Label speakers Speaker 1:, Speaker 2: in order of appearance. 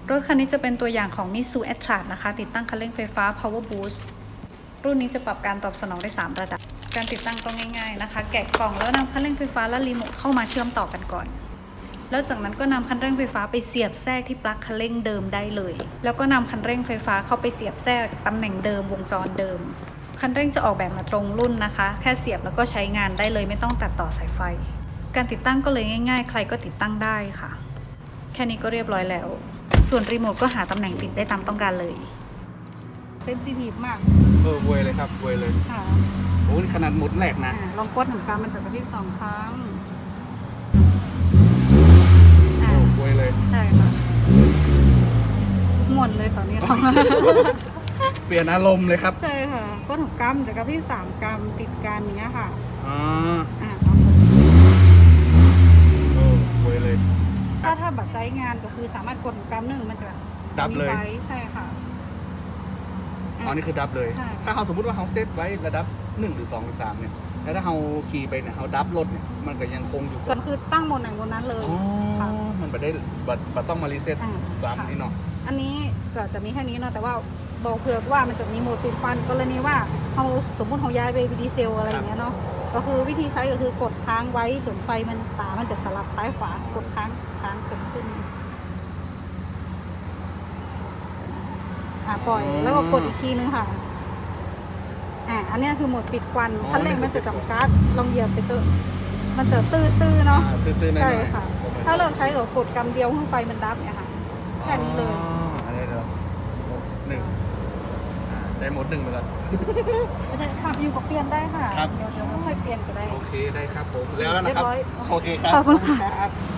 Speaker 1: รถคันนี้จะเป็นตัวอย่างของ Mitsubishi Atlas นะคะติดตั้งคันเร่งไฟฟ้า Power Boost รุ่นนี้จะปรับการตอบสนองได้3ระดับการติดตั้งก็ง่ายๆนะคะแกะกล่องแล้วนำคันเร่งไฟฟ้าและรีโมทเข้ามาเชื่อมต่อกันก่อนแล้วจากนั้นก็นำคันเร่งไฟฟ้าไปเสียบแทรกที่ปลั๊กคันเร่งเดิมได้เลยแล้วก็นำคันเร่งไฟฟ้าเข้าไปเสียบแทรกตำแหน่งเดิมวงจรเดิมคันเร่งจะออกแบบมาตรงรุ่นนะคะแค่เสียบแล้วก็ใช้งานได้เลยไม่ต้องตัดต่อสายไฟการติดตั้งก็เลยง่ายๆใครก็ติดตั้งได้ค่ะแค่นี้ก็เรียบร้อยแล้วส่วนรีโมทก็หาตำแหน่งติดได้ตามต้องการเลยเซนซิทีฟมาก
Speaker 2: เวยเลยครับเวยเลย
Speaker 1: ค่ะ
Speaker 2: โอ้นี่ขนาดหมดแหลกนะ
Speaker 1: ลองกดหนึ่งครั้งมันจะกระพริบ2 ครั้ง
Speaker 2: เวยเลย
Speaker 1: ใช่ค่ะหมดเลยตอนนี้
Speaker 2: เปลี่ยนอารมณ์เลยครับ
Speaker 1: ใช่ค่ะกด6 กรัมจะกระพริบ3 กรัมติดกันเนี้ยค่ะ
Speaker 2: เวยเลย
Speaker 1: ถ้าบัตรใจงานก็คือสามารถกด6 กรัมหนึ่งมันจะ
Speaker 2: ดับเลย
Speaker 1: ใช่ค่ะ
Speaker 2: อ๋อนี่คือดับเลยถ้าเราสมมติว่าเราเซตไว้ระดับ1 หรือ 2 หรือ 3เนี่ยแล้วถ้าเราขี่ไปเนี่ยเราดับรถเนี่ยมันก็ยังคงอยู่
Speaker 1: ก็คือตั้งบนไหนบนนั้นเลย
Speaker 2: มันไม่ได้บัตต้องมารีเซ็ตซ้ำนี่เนาะ
Speaker 1: อันนี้ก็จะมีแค่นี้เนาะแต่ว่าบอกเผื่อว่ามันจะมีโหมดปิดฟันกรณีว่าเราสมมติเราย้ายไปดีเซลอะไรอย่างเงี้ยเนาะก็คือวิธีใช้ก็คือกดค้างไว้จนไฟมันมันจะสลับซ้ายขวากดค้างจนขึ้นปล่อยแล้วก็กดอีกทีนึงค่ะอันนี้คือโหมดปิดควันคันเร่งมันจะจำกัดลองเหยียบไปเตอะมันจะตื้อเนาะใช่ค่ะถ้าเลิกใช้ก็กดกำเดียวให้ไฟมันดับเนี่ยค่ะแค่นี้เลย
Speaker 2: อันนี้เลย1ได้โหมด 1ไปก่อน
Speaker 1: ขับอยู่กับเปลี่ยนได้ค่ะเดี๋ยวค่อยเปลี่ยนก็ได้
Speaker 2: โอเคได้ครับผมแล้วนะครับโอเคครับ
Speaker 1: ขอบคุณค่ะ